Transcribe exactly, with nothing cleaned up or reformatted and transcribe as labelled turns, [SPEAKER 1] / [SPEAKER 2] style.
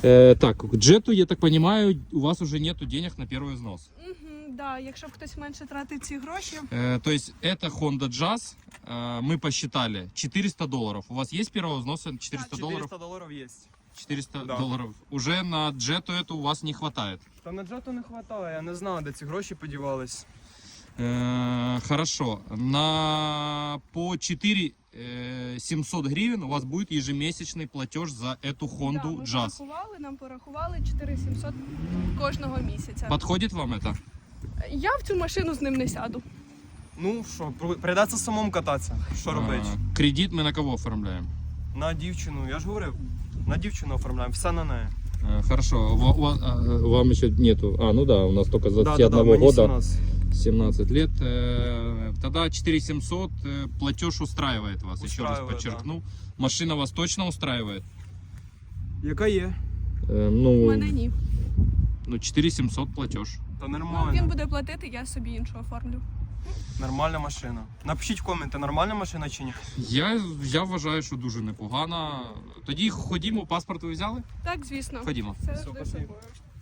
[SPEAKER 1] Э, так, к джету, я так понимаю, у вас уже нету денег на первый взнос.
[SPEAKER 2] Угу, да, якщо б хтось менше тратив ці гроші.
[SPEAKER 1] Э, то есть это Honda Jazz, э, мы посчитали, четыреста долларов. У вас есть первого взноса четыреста долларов?
[SPEAKER 3] четыреста долларов есть.
[SPEAKER 1] четыреста
[SPEAKER 3] Да.
[SPEAKER 1] долларов. Уже на джету это у вас не хватает.
[SPEAKER 3] Та на джету не вистачає, я не знаю, де ці гроші подівались.
[SPEAKER 1] Э, хорошо. На по четыре семьсот гривен у вас будет ежемесячный платеж за эту Honda
[SPEAKER 2] Да, ми
[SPEAKER 1] Jazz.
[SPEAKER 2] порахували, нам порахували чотири тисячі сімсот кожного місяця.
[SPEAKER 1] Подходит вам это?
[SPEAKER 2] Я в цю машину з ним не сяду.
[SPEAKER 3] Ну що, при- прийдеться самому кататися. Що робити?
[SPEAKER 1] А, кредит мы на кого оформляем?
[SPEAKER 3] На дівчину, я ж говорив, на дівчину оформляємо, все на неї.
[SPEAKER 1] Э, Хорошо, Ва- у вас- а, вам еще нету. А, ну да, у нас только с
[SPEAKER 3] Да,
[SPEAKER 1] двадцати
[SPEAKER 3] да, да,
[SPEAKER 1] одного
[SPEAKER 3] мені
[SPEAKER 1] года,
[SPEAKER 3] сімнадцять.
[SPEAKER 1] семнадцать лет. Э, Тогда четыре тысячи семьсот э, платеж устраивает вас, еще раз
[SPEAKER 3] Устраивает,
[SPEAKER 1] подчеркну. Машина вас точно устраивает?
[SPEAKER 3] Яка є?
[SPEAKER 1] Э,
[SPEAKER 2] У
[SPEAKER 1] Ну,
[SPEAKER 2] мене ні.
[SPEAKER 1] ну четыре тысячи семьсот платеж.
[SPEAKER 3] Та
[SPEAKER 2] Ну,
[SPEAKER 3] нормально.
[SPEAKER 2] він буде платити, я собі іншу оформлю.
[SPEAKER 3] Нормальна машина. Напишіть в коменти, нормальна машина чи ні?
[SPEAKER 1] Я, я вважаю, що дуже непогано. Тоді ходімо, паспорт ви взяли?
[SPEAKER 2] Так, звісно.
[SPEAKER 1] Ходімо.
[SPEAKER 2] Це
[SPEAKER 3] Все,
[SPEAKER 2] завжди з
[SPEAKER 3] спасибо.
[SPEAKER 2] собою.